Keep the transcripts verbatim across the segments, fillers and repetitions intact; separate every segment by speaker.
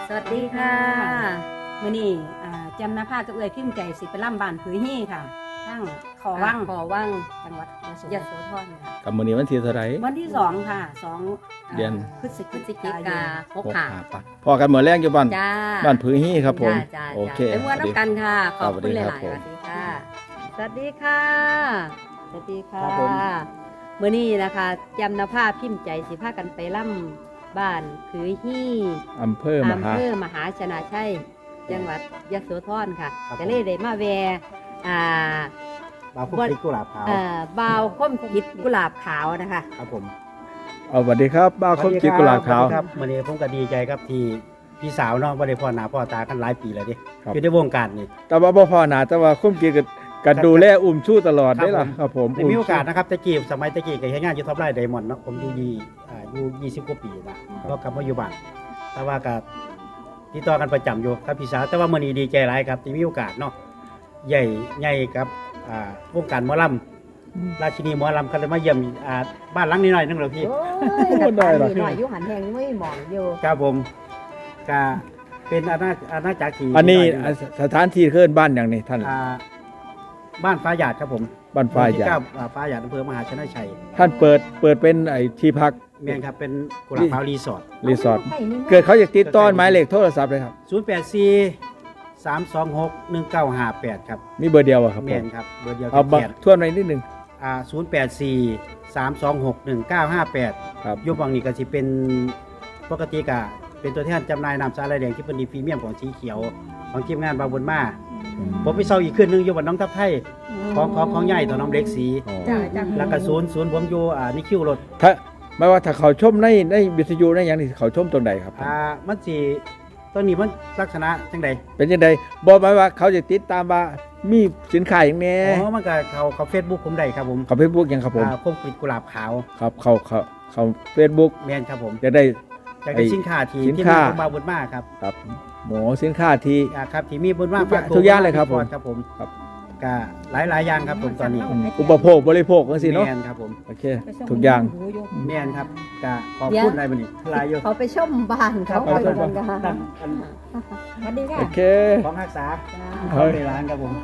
Speaker 1: สวัสดีค่ะมื้อนี้จำนาภากับเอื้อยพิมพ์ใจสิไปล่ำบ้านผือฮี่ค่ะทั้งขอว่างขอว่างจังหวัดยโสธรค่ะ
Speaker 2: กับมื้อนี้วันที่เท่าไหร่
Speaker 1: วันที่สองค่ะสอง
Speaker 2: เดือน
Speaker 1: พฤศจิกายนหก
Speaker 2: หก
Speaker 1: ค่ะ
Speaker 2: ห้าปะพอกันมื้อแรกอยู่บ้าน
Speaker 1: จ้า
Speaker 2: บ้านผือฮี่ครับผม
Speaker 1: จ้า
Speaker 2: โอเค
Speaker 1: ไปเมื่อน้ำกันค่ะขอบคุณห
Speaker 2: สวัสดี
Speaker 1: ลาย
Speaker 2: ครับ
Speaker 1: ๆสวัสดีค่ะสวัสดีค่ะสวัสดีค่ะ
Speaker 2: ครับผม
Speaker 1: มื้อนี้นะคะจำนาภาพิมพ์ใจสิพากันไปล่ำบ้านผือฮี่
Speaker 2: อำเภอมหา
Speaker 1: อำเภอมหาชนะชัยจังหวัดยโสธรค่ะ
Speaker 3: ครับ
Speaker 1: ก็เลยได้มาแวะอ่า
Speaker 3: บาวคุกพริกกุหลาบขาว
Speaker 1: เอ่อบ่าวค้มคิดกุหลาบขาวนะคะ
Speaker 3: ครับผม
Speaker 2: เอาสวัสดีครับบ้าวคมจิตกุหลาบขาว
Speaker 3: สสดีครับวันนี้ผมก็ดีใจครับที่พี่สาวเนาะบ่ได้พ่อหน้าพ่อตากันหลายปีแล้วดิ
Speaker 2: ครับ
Speaker 3: อยู่ในวงการนี่
Speaker 2: แต่ว่าบ่พอหนาแต่ว่าคมจิตก็กันดูแลอุ้มชู้ตลอดได้ล่ะครับผม
Speaker 3: ได้มีโอกาสนะครับตะกี้สมัยตะกี้ก็เฮ็ดงานอยู่ท็อปไลน์ไดมอนด์เนาะผมอยู่ยี่อ่าอยู่ยี่สิบกว่าปีนะก็กลับมาอยู่บ้านแต่ว่าก็ติดต่อกันประจำอยู่ครับพี่สาวแต่ว่ามื้อนี้ดีใจหลายครับที่มีโอกาสเนาะใหญ่ใหญ่กับอ่าวงการหมอลำราชินีหมอลำก็เลยมาเยี่ยมอ่าบ้านหลังนี้หน่อยนึงเหรอพี่
Speaker 1: โอ้ย
Speaker 2: ได้ล่ะ
Speaker 1: หน่อยอยู่หันแหงไม่หมองอยู่
Speaker 3: ครับผมก็เป็นอาณาอาณาจักรที่
Speaker 2: อันนี้
Speaker 3: ที่
Speaker 2: สถานที่เคลื่อนบ้านอย่างนี้ท่าน
Speaker 3: อ่าบ้านฟ้าหยาดครับผม
Speaker 2: บ้านฟ้าหยาด
Speaker 3: หมู่ที่เก้อ่ฟ้าหยาดอำเภอมหาชนะชัย
Speaker 2: ท่านเปิดเปิดเป็นไอ้ที่พัก
Speaker 3: แม่นครับเป็นกุหลาบขาวรีสอร์ท
Speaker 2: รีสอร์ทเกิดเขาอยากติดต่อหมายเลขโทรศัพท์เลยครับ
Speaker 3: ศูนย์ แปด สี่ สาม สอง หก หนึ่ง เก้า ห้า แปดครับ
Speaker 2: มีเบอร์เดียวอะครับผ
Speaker 3: แม่
Speaker 2: ม
Speaker 3: นครับเบอร์เดียว
Speaker 2: เอาบั
Speaker 3: แข
Speaker 2: ก
Speaker 3: น
Speaker 2: ทวนไว้นิดนึง
Speaker 3: อ่าศูนย์ แปด สี่ สาม สอง หก หนึ่ง เก้า ห้า แปด
Speaker 2: ครับ
Speaker 3: ยุควังนี้ก็สิเป็นปกติกะเป็นตัวแทนจำหน่ายน้ำสาลายแดงที่เป็นดีพรีเมียมของสีเขียวของทีมงานบางบุญมาผมไปเซาอีกขึ้นหนึงอยู่บ้านน้องทับไทยของของของใหญ่ต่อน้องเล็กสี
Speaker 2: อ๋อ
Speaker 1: จ้าจ้า
Speaker 3: แล้วก็ศูนย์ศูนย์ผมอยู่อ่านี่คิวรถ
Speaker 2: ถ้าไม่ว่าถ้าเขาชมในในวิทยุในอย่างนี้เขาชมตรงใดครับ
Speaker 3: อ่ามันสิตัวนี้มันลักษณะจังใด
Speaker 2: เป็นยังไงบอกหมายว่าเขาจะติดตามว่ามีสินค้าอย่างแนี้
Speaker 3: อ๋อมันก็เขาเขาเฟซบุ๊กผมได้ครับผม
Speaker 2: เขาเฟซบุ๊กยังครับผม
Speaker 3: อ่าคมกริดกุหลาบขาว
Speaker 2: ครับเขาเขาเขาเฟซบุ๊ก
Speaker 3: แมนครับผม
Speaker 2: จะได้
Speaker 3: อยากได้สินค้าที่
Speaker 2: สิน
Speaker 3: ที่
Speaker 2: ค้า
Speaker 3: มีคนบาบุญมากครับ
Speaker 2: ครับหมอสินค้าที่
Speaker 3: อ่าครับที่มีบุญมาก
Speaker 2: ทุกอย่างทุกอย่างเลยครับผม
Speaker 3: ครับผม
Speaker 2: ครับ
Speaker 3: ก็หลายหลายๆอย่างครับผมตอนนี้
Speaker 2: อืมอุปโภคบริโภคกันสิเนาะ
Speaker 3: แมนครับผม
Speaker 2: โอเคทุกอย่าง
Speaker 3: แมนครับก็ขอบคุณอะไรบ้านี่หลายอยู่
Speaker 1: เขาไปชมบ้านเขา
Speaker 2: ไปชม
Speaker 1: กันกัน
Speaker 3: ท่านอัน
Speaker 1: สวัสดีค่ะ
Speaker 2: โอเค
Speaker 3: ของรักษา
Speaker 1: จ้า
Speaker 2: เฮ้ย
Speaker 3: ในร้านครับผม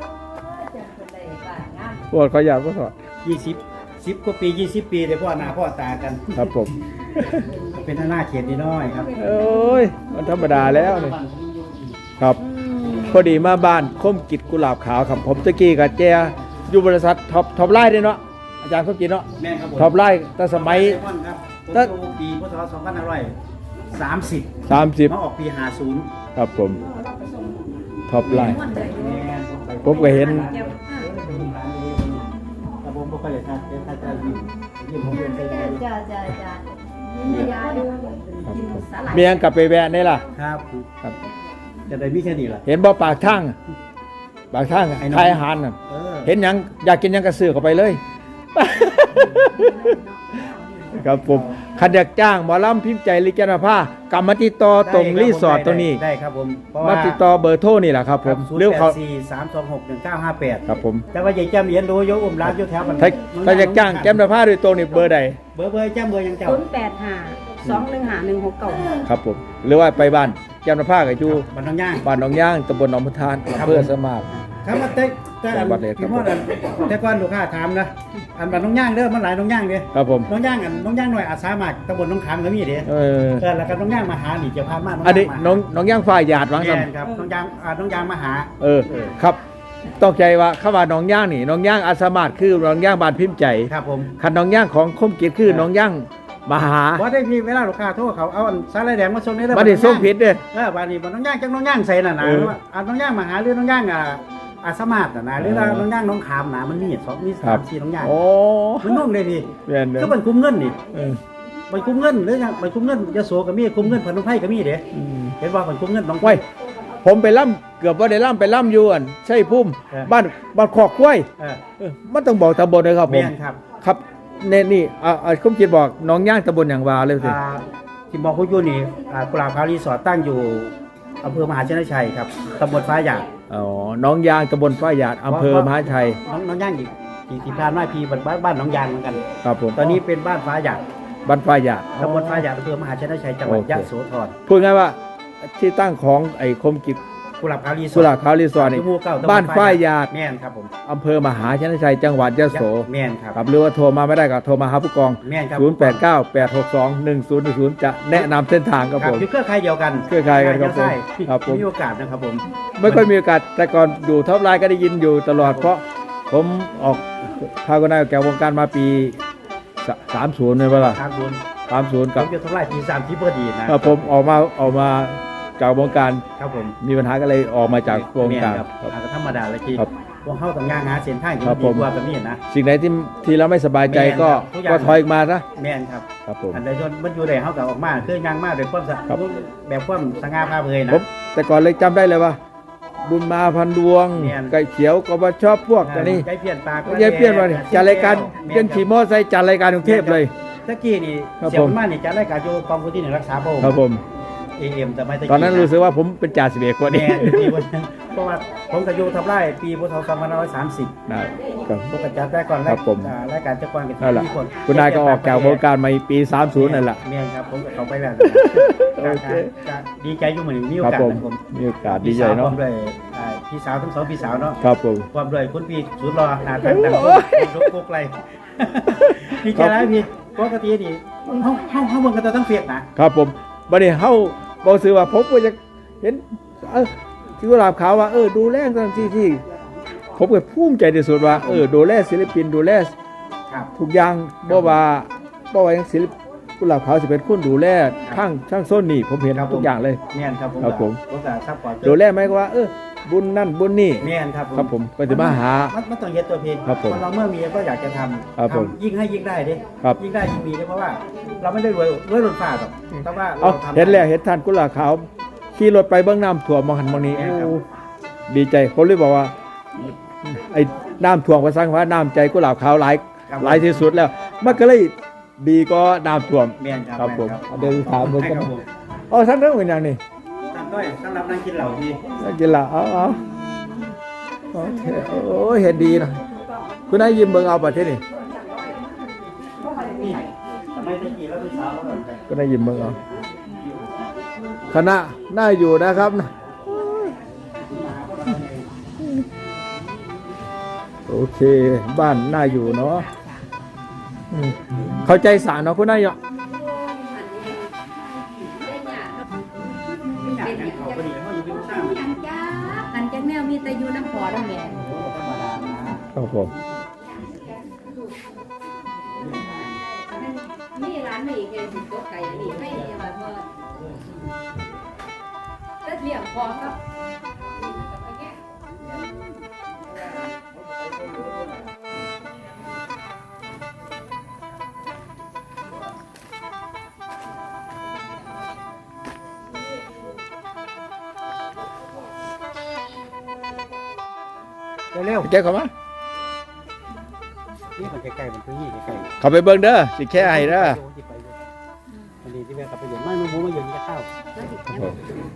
Speaker 2: ปวดขอยากก็สอด
Speaker 3: ยี่สิบสิบกว่าปียี่สิบปีเลยพ่อหน้าพ่อตากัน
Speaker 2: ครับผม
Speaker 3: เป็นหน้าเขตนิดน้อยครับ
Speaker 2: โอ้ยมันธรรมดาแล้วนี่ครับ พอดีมาบ้านคมกิจกุหลาบขาวครับผมตะกี้กับแจอยู่บริษัทท็อปท็อปไลน์ด้วยเนาะอาจารย์คมกิจเนาะ
Speaker 3: แม่นครับผม
Speaker 2: ท็อปไลน์ตั้งสมัย
Speaker 3: เซมอนครับผม
Speaker 2: ตั้ง
Speaker 3: อยู่ปีพศสองพันห้าร้อยสามสิบ
Speaker 2: สามสิบ
Speaker 3: มาออกปีห้าสิบ
Speaker 2: ครับผมท็อปไลน์
Speaker 3: แม่นไป
Speaker 2: ผมก็เห็น
Speaker 3: แต่ผมบ่ค่อยได้ทักเดี๋ยวทักจะยิ้มยิ้มผมเป็นไปได้
Speaker 1: จ้าจ้าจ้ามียาดูกินสาหร่าย
Speaker 2: เมียงกลับไปแวะนี่ล่ะ
Speaker 3: ครับ
Speaker 2: ครับ
Speaker 3: จะได้มีแค่นี้ล่ะ
Speaker 2: เห็นบ่ปากทางปากทาง
Speaker 3: ไอ้น้อง
Speaker 2: ขายอาหารน่ะ
Speaker 3: เออ
Speaker 2: เห็นหยังอยากกินหยังกระซื้อเข้าไปเลย ครับผมขันอยากจ้างหมอลำพิมพ์ใจลิแกนภากลับมาติดต่อตรงรีสอร์ทตรงนี้
Speaker 3: ได้ครับผมเพราะ
Speaker 2: มา
Speaker 3: ว่า
Speaker 2: ติดต่อเบอร์โทรนี่แหละครับผม
Speaker 3: ศูน
Speaker 2: เร็ว
Speaker 3: ย์แป
Speaker 2: เขา
Speaker 3: ดสี่สามสองหกหนึ่งเก้าห้าแปด
Speaker 2: ครับผม
Speaker 3: แต่ว่าใหญ่แจ้มเรียนรู้โยอุ้มร้านโยแถวมัน
Speaker 2: ถ้าถ้าอยากจ้างแก้มนภาโดยตรงนี่เบอร์ใด
Speaker 3: เบอร์เบอร์แจ้มเบอร์ยังเจ้า
Speaker 1: ศูนย์แปดห้าสองหนึ่งห้าหนึ่งหกเก้า
Speaker 2: ครับผมหรือว่าไปบ้านแก้มนภากับอยู่
Speaker 3: บันทองย่าง
Speaker 2: บ้านหนองย่างตำบลหนองพุทาน
Speaker 3: ครับ
Speaker 2: อำเภอสมาร์ท
Speaker 3: ครับมาแต่แต่อัน
Speaker 2: จังหวัดเลยครับ
Speaker 3: พี่มอดอันแต่ก่อนลูกค้าถามนะอันบันน้องย่างเด้อมันหลายน้องย่างเด้อ
Speaker 2: ครับผม
Speaker 3: น้องย่างอันน้องย่างหน่อยอาสามัครตำบลน้องขามก็มีเด้อ
Speaker 2: เออ
Speaker 3: เออแล้วก็น้องย่างมาหานี่จะพามา
Speaker 2: อันนี้
Speaker 3: ย่างมา
Speaker 2: น้องน้องย่างฝ่ายหยาดวัง
Speaker 3: แม่
Speaker 2: ซ้
Speaker 3: นครับน้องย่างอ่าน้องย่างมาหา
Speaker 2: ำเออครับต้องใจว่าเข้ามาน้องย่างนี่น้องย่างอาสามาร์ทคือน้องย่างบ้านพิมพ์ใจ
Speaker 3: ครับผม
Speaker 2: คันน้องย่างของคมกิจคือน้องย่างมหา
Speaker 3: ว่าได้พี่เวลาลูกค้าโทรเขาเอาอันสาลายแดงมาส่งได้เด้อ
Speaker 2: บัดนี้ส่งผิดเด้อ
Speaker 3: เออบัดนี้บัดน้องย่างจังน้องย่างใส่น่ะนะ
Speaker 2: เออ
Speaker 3: ว่าอ่าน้องย่างมาหาหรือน้องย่างอ่าอาสามาร์ทน่ะนะหรือว่า
Speaker 2: เออ
Speaker 3: น้องย่างน้องขามนะมันมีสองมี
Speaker 2: ครั
Speaker 3: สา
Speaker 2: บ
Speaker 3: มสี่น้องย่าง
Speaker 2: โอ้
Speaker 3: มันนุ่มเลยพี่
Speaker 2: เรียนเด้อ
Speaker 3: ก็มันคุ้มเงินนี่
Speaker 2: เออ
Speaker 3: มันคุ้มเงินหรือยังมันคุ้มเงินยโสก็มีคุ้มเงินพนมไพรก็มีเด้
Speaker 2: อืม
Speaker 3: เห็นว่ามันคุ้มเงินน้อง
Speaker 2: ไว้ผมไปล่ำเกือบว่าได้ล่ำไปล่ำอยวนใช่พุ่ม
Speaker 3: เออ
Speaker 2: บ้านบ้านคอกกล้วย
Speaker 3: เออ
Speaker 2: เออมันต้องบอกตำบลเลยครับผ
Speaker 3: แม่
Speaker 2: ม
Speaker 3: นครับ
Speaker 2: ครับเนนี่อ่าอ่าคมจิตบอกน้องย่างตำบลอย่างวาเลยสิ
Speaker 3: อ่าที่บอกคุณอยู่นี่อ่ากุหลาบขาวรีสอร์ทตั้งอยู่อำเภอมหาชนชัยครับตำบลฟ้าหยาด
Speaker 2: อ๋อน้องย่างตำบลฝ้ายหยาดอำเภอมหาชัย
Speaker 3: น้องน้องย่างอีกที่ที่พานมาพีบ้านบ้านน้องยางเหมือนกัน
Speaker 2: ครับผม
Speaker 3: ตอนนี้เป็นบ้านฟ้าหยาด
Speaker 2: บ้านฝ้ายหยาด
Speaker 3: ตำบลฟ้าหยาดอำเภอมหาชนชัยจังหวัด
Speaker 2: โอเค
Speaker 3: ยะโสธร
Speaker 2: พูดง่ายว่าที่ตั้งของไอ้คมกิจ
Speaker 3: กุหลาบขาวรีสอร์ท
Speaker 2: กุหลาบขาวรีสอร์ทนี่
Speaker 3: ที่หมู่เก้าตำล
Speaker 2: บ้านฝ้ายหยาด
Speaker 3: แม่นครับผม
Speaker 2: อำเภอมหาชนชัยจังหวัดยะโส
Speaker 3: แม่นครับ
Speaker 2: ครับหรือว่าโทรมาไม่ได้ก็โทรมาหาผู้กอง
Speaker 3: แม่นครับ
Speaker 2: ศูนย์ แปด เก้า แปด หก สอง หนึ่ง ศูนย์ หนึ่ง ศูนย์ จะแนะนำเส้นทางครับ
Speaker 3: ครั
Speaker 2: ผ
Speaker 3: บ
Speaker 2: ม
Speaker 3: อยู่เครือข่ายเดียวกัน
Speaker 2: เครือข่ายกันครับผม
Speaker 3: ใช่
Speaker 2: ครับผม
Speaker 3: มีโอกาสนะครับผม
Speaker 2: ไม่ค่อยมีโอกาสแต่ก่อนอยู่ท็อปไลน์ก็ได้ยินอยู่ตลอดเพราะผมออกพาคนนายแก่วงการมาปีสามศูนย์เลยเปล่า
Speaker 3: ทางบุญ
Speaker 2: สามศูนย์
Speaker 3: ผ
Speaker 2: กับ
Speaker 3: มจะทำลายปีสามที่พอดีนะ
Speaker 2: ถ้าผมออกมาออกมาจากวงการ
Speaker 3: ครับผม
Speaker 2: มีปัญหาก็เลยออกมาจากวงการ
Speaker 3: แม่นครับ
Speaker 2: ครับ
Speaker 3: อ่าก็ธรรมดาเลยที่
Speaker 2: ครับ
Speaker 3: พวกเข้าต้องย่างหาเส้นทางที่
Speaker 2: ครับ
Speaker 3: ดี
Speaker 2: ผม
Speaker 3: กว่ากับนี่นะ
Speaker 2: สิ่งไหนที่ที่เราไม่สบายใจก็
Speaker 3: แม่นครับทุกอย่าง
Speaker 2: ก็ถอยออกมาซะ
Speaker 3: แม่นครับ
Speaker 2: ครับผม
Speaker 3: อันใดจนมันอยู่ได้เข้ากับออกมาคือย่างมากโดยความสะ
Speaker 2: ครับ
Speaker 3: แบบความสง่าผ่าเผยนะ
Speaker 2: ผมแต่ก่อนเลยจำได้เลยว่า บุญมาพันดวง
Speaker 3: แม่น
Speaker 2: ไก่เขียวก็มาชอบพวกอันนี้
Speaker 3: ใจเปลี่ยนปาก
Speaker 2: ยายเปี้ยนมาเนี่ยจัดรายการเปี้ยนขี่มอไซค์จัดรายการกรุงเทพเลย
Speaker 3: ตะกี้นี่
Speaker 2: ครับ
Speaker 3: เสีย
Speaker 2: ผ
Speaker 3: ง
Speaker 2: ม
Speaker 3: มากนี่จัดรายการอยู่กองพื้นที่หนึ่งรักษาพระองค์
Speaker 2: ครับผม
Speaker 3: เอ็มแต่ไม่ตะกี้
Speaker 2: ตอนนั้นรู้สึกว่าผมเป็นจ่าสิบเอกกว่านี้
Speaker 3: แม่ปีวันนั้นเพราะว่าผมกับยูทำไร่ปีพุทธศักราชสองพันห้าร้อยสามสิบ
Speaker 2: นะครับ
Speaker 3: ผมก็จัดได้ก่อน
Speaker 2: ครับผม
Speaker 3: อ่ารายการจักรวาลกับ
Speaker 2: นั่นแหละ
Speaker 3: ที่คน
Speaker 2: คุณนายก็ออกจากวงการมาปีสามสิบนั่นแหละ
Speaker 3: แม่นครับผมกับเขาไปแล้ว
Speaker 2: โอเค
Speaker 3: จะดีใจอยู่เหมือนมีโอ
Speaker 2: ครับ
Speaker 3: กาส
Speaker 2: ผม
Speaker 3: นะผม
Speaker 2: มีโอกาสดีใจเนาะ
Speaker 3: พร้อมด้วยอ่าพี่สาวทั้งสองพี่สาวเนาะ
Speaker 2: ครับผม
Speaker 3: ความด้วยคุณพี่สุดรอหนาตั้งดัง
Speaker 2: โอ้ย
Speaker 3: รบกุกไรดีใจแล้วพี่ปกตินี่ห้องห้องห้องเมืองกันต้องเฟียกนะครับ
Speaker 2: ผมบัดนี้เฮาบอกซื้อว่าผมก็จะเห็นเออที่กุหลาบขาวว่าเออดูแลกันที่ที่ผมก็ภูมิใจที่สุดว่าเออดูแลศิลปินดูแล
Speaker 3: ครับ
Speaker 2: ทุกอย่างบ่ว่าบ่ว่าหยังศิลปกุหลาบขาวสิเป็นคนดูแลทั้งทั้งโซนนี่ผมเห็น
Speaker 3: ครับผม
Speaker 2: ทุกอย่างเลย
Speaker 3: แม่นครับผม
Speaker 2: ครับผม
Speaker 3: ผมก็ซัพพอร์ต
Speaker 2: ดูแลไหมก็ว่าเออบุญนั่นบุญนี่
Speaker 3: แม่นครับผม
Speaker 2: ครับผมก็จะมาหา
Speaker 3: นมันต้องเฮ็ดตัวเพลง
Speaker 2: ครับผม
Speaker 3: นเราเมื่อมีก็อยากจะทำ
Speaker 2: ครับผม
Speaker 3: ทำยิ่งให้ยิ่งได้เด้
Speaker 2: ครับ
Speaker 3: ยิ่งได้ยิ่งมีเด้เพราะว่า เราไม่ได้รวยรวยล้นฟ้าหรอกแต่ว่า
Speaker 2: เอา
Speaker 3: ทำ
Speaker 2: เห็นแล้วเห็นท่านกุหลาบขาวขี่รถไปเบื้องน้ำท่วมมองหันมองนี้
Speaker 3: แม่นครับ
Speaker 2: โอ้ดีใจผมเลยบอกว่าไอ้น้ำท่วมก็สร้างว่าน้ำใจกุหลาบขาวหลาย
Speaker 3: ครับ
Speaker 2: หลายที่สุดแล้ว มันก็เลยดีก็น้ำท่วม
Speaker 3: แม่นครับ
Speaker 2: ครับผม
Speaker 3: แน
Speaker 2: เดี๋ยวถามเบิ่งกัน
Speaker 3: ครับผม
Speaker 2: อ๋อท่านเรื่องเป็นอย่างนี้
Speaker 3: ทำด้วยสำหรับนั่งกินเหล่าพี่
Speaker 2: นักกีฬาเอาเอาโอเคโอ้ยเห็นดีนะคุณนายยิ้มเบิ่งเอาประเทศนี่
Speaker 3: นี่ทำไมตะกี้เราเป็นสาวเราแบบ
Speaker 2: คุณนายยิ้มเบิ่งเอาคณะน่าอยู่นะครับนะโอเคบ้านน่าอยู่เนาะอืมเข้าใจสารเนาะคุณนายเนาะ
Speaker 3: อยากให้เขาพอดีเขาอยู่เป็นสร้าง
Speaker 1: ยังจ้าอันจังแนวมีแต่อยู่น้ำพอน้ำแม่
Speaker 3: ธรรมดานะครับ
Speaker 2: ผม
Speaker 1: นี่ร้านไม่อีกเลยสิโต๊ะไก่นี่ไม่เนี่ยแบบว่าเลือดเลี้ยงพอครับ
Speaker 3: เร็ว
Speaker 2: แจ้เข้ามา
Speaker 3: ๆนี่มันใกล้ๆมันพื้นที่ใกล้ๆ
Speaker 2: เข้าไปเบิ่งเด้อสิแค่ให้เด้อ
Speaker 3: วันนี้ที่แม่กลับไปเย็นไม่ไม่บูไม่เย็นจะเข้า
Speaker 2: ครับผม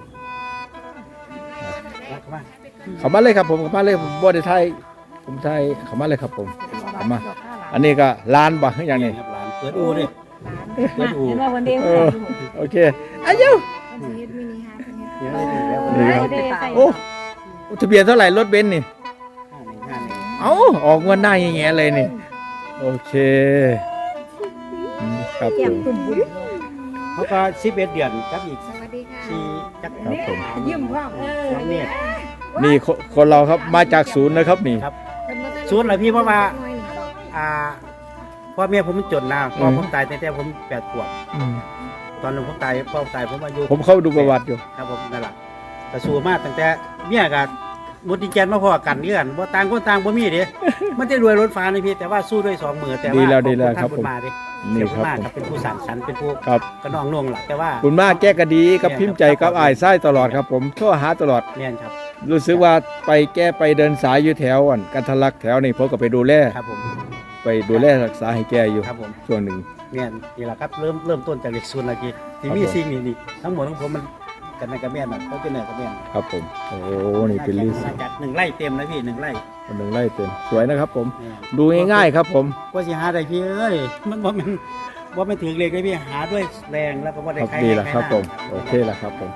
Speaker 3: เข้ามา
Speaker 2: เข้ามาเลยครับผมเข้ามาเลยผมบ่ได้ไทยผมไทยเข้ามาเลยครับผมเข้ามา อันนี้ก็ร้านบ่อย่างนี้
Speaker 3: ครับหลานเปิดอูดิ
Speaker 1: เห็นว่าวันเดียว
Speaker 2: เออโอเคอายุ
Speaker 3: เดี๋ยวได้ดีแล้ว
Speaker 2: นี่ครับ โอ้ทะเบียนเท่าไหร่รถเบนซ์นี่
Speaker 3: ห้าหนึ่งห้าหนึ่ง
Speaker 2: เอ้าออกเงินหน้าแง่ๆเลยนี่ โอเคอืมครับผม
Speaker 3: เขาก็สิบเอ็ดเดือนครับอีก
Speaker 1: สวัสดีค่ะ
Speaker 3: สี่จักร
Speaker 2: ครับผม
Speaker 1: ยิ้มพ่อเออ
Speaker 3: สองเมตร
Speaker 2: นี่คนคนเราครับมาจากศูนย์นะครับนี่
Speaker 3: ครับศูนย์เหรอพี่เพราะว่า อ่าพ่อแม่ผมมันจนนะพ่อผมตายตั้งแต่ผมแปดขวบ
Speaker 2: อืม
Speaker 3: ตอนนั้นผมตายพ่อผมตายผมอายุ
Speaker 2: ผมเข้าดูประวัติอยู่
Speaker 3: ครับผมนั่นแหละแต่สู้มากตั้งแต่เมียกับมุดดินแกนมาพอกันเงื่อนว่าต่างคนต่างบ่มีเด้ มันจะรวยรถฟ้านี่พี่แต่ว่าสู้ด้วยสองมือแต่ว่า
Speaker 2: ดีแล้วดีแล้ว
Speaker 3: ขอ
Speaker 2: ครับ
Speaker 3: ณ
Speaker 2: ผม
Speaker 3: ท่านมาดิ
Speaker 2: นี่
Speaker 3: เสีย
Speaker 2: ครับ
Speaker 3: มาก
Speaker 2: ผม
Speaker 3: ครับเป็นผู้สานสรรค์เป็นผู้
Speaker 2: ครับ
Speaker 3: กระนองน่วงหลักแต่ว่า
Speaker 2: คุณมากแก้กะดีกับพิมพ์ใจกับอ้ายไส้ตลอดครับ ผมโทรหาตลอด
Speaker 3: เนี่ยครับ
Speaker 2: รู้สึกว่าไปแก้ไปเดินสายอยู่แถวอ่อนกันทะลักแถวนี่ผมก็ไปดูแล
Speaker 3: ครับผม
Speaker 2: ไปดูแลรักษาให้แกอยู่
Speaker 3: ครับผม
Speaker 2: ช่วงหนึ่ง
Speaker 3: เนี่ยนี่แหละครับเริ่มเริ่มต้นจากเด็กศูนย์ละทีที่มี
Speaker 2: ครับผม
Speaker 3: สิ่งนี้นี่ทั้งหมดของผมมันกันในกระแม่นน่ะเขาเป็นเนื้อกระแม่น
Speaker 2: ครับผมโอ้นี่เป็นลิส
Speaker 3: มาจากหนึ่งไร่เต็มนะพี่หนึ่งไร่
Speaker 2: คนหนึ่งไล่เต็มสวยนะครับผม
Speaker 3: เนี่ย
Speaker 2: ดูง่ายๆครับผม
Speaker 3: กว่าสิหาได้พี่เอ้ยมันบ่แมันบ่แม่นถือเลขเลยพี่หาด้วยแรงแล้วก็บ่
Speaker 2: ค
Speaker 3: ได้
Speaker 2: รับ
Speaker 3: ใคร
Speaker 2: ดี
Speaker 3: ให้
Speaker 2: แล้ว
Speaker 3: ใคร
Speaker 2: ครับ
Speaker 3: หน้า
Speaker 2: ผมโอเคแล้วครับผม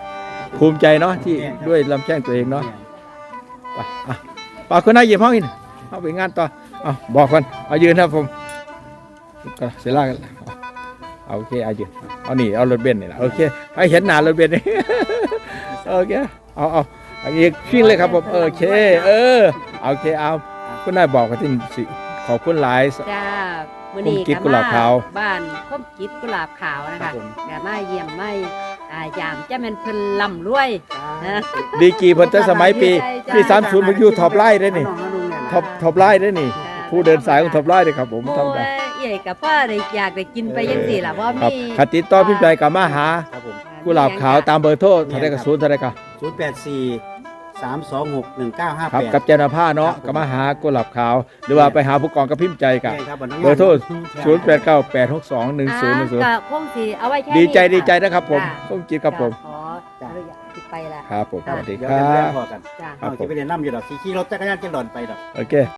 Speaker 2: ภูมิใจเนาะที่ด้วยลำแข้งตัวเองเนาะไปอ่ะปาคนหน้าเหยียบห้องอีกเอาไปงานต่อเอาบอกก่อนเอายืนครับผมก็เสียล่ากันเอาโอเคเอายืนเอานี่เอารถเบนซ์นี่แหละโอเคให้เห็นหน้ารถเบนซ์นี่ โอเคเอาเอาอันนี้ชิ่งเลยครับผมโอเคเออโอเคเอาคุณนายบอกกันที่สิขอบคุณหลาย
Speaker 1: จ้ามื้อนี้
Speaker 2: คมกิจกุหลาบขาว
Speaker 1: บ้านคมกิจกุหลาบขาวนะคะก็มาเยี่ยมไม่อ่ายามจะแม่นเพิ่นร่ำรวยนะ
Speaker 2: ดีกรีเพิ่นแต่สมัยปีปีสามสิบมันอยู่ท็อปไลน์ได้นี่ท็อปท็อปไลน์ได้นี่ ผู้เดินสายของท็อปไลน์เลยครับผม
Speaker 1: โอ้
Speaker 2: ทำได้
Speaker 1: ยเอ๋กับพ่อได้อยากได้กินไปยังสี่ล่ะเพราะ
Speaker 2: ครับ
Speaker 1: มี
Speaker 2: ขัดติดต่อพิมพ์ใจกับมาหา
Speaker 3: ครับผม
Speaker 2: กุหลาบขาวตามเบอร์โทรเท่าไรกับศูนย์เท่าไรกับ
Speaker 3: ศูนย์แปดสี่สามสองหกหนึ่งเก้าห้า
Speaker 2: ครับ
Speaker 3: แปด
Speaker 2: กับเจนาผ้าเนาะกับมาหากุหลาบขาว หรือว่าไปหาผู้กองกับพิมพ์ใจกับ
Speaker 3: ครับ
Speaker 2: เบอร์โทรศูนย์แปดเก้าแปดหกสองหนึ่งศูนย์หนึ่งศูนย์
Speaker 1: ก็คงสิเอาไว้แค่
Speaker 2: ดีใจ
Speaker 1: นี้
Speaker 2: ดีใจ
Speaker 1: ค่ะ
Speaker 2: นะครับผม
Speaker 1: จ้ะ
Speaker 2: ส้มจิตครับผม
Speaker 1: ขออนุญาตติดไปละ
Speaker 2: ครับผมสวัสดี
Speaker 3: เดี๋ยว
Speaker 2: ครั
Speaker 3: เดี๋ยว
Speaker 2: บ
Speaker 3: พอกัน
Speaker 1: จ้า
Speaker 2: ครับผม
Speaker 3: เอาจะไปเรียนน้ำอยู่ดอกขี่รถจักรยานจะหล่นไปดอก
Speaker 2: โอเค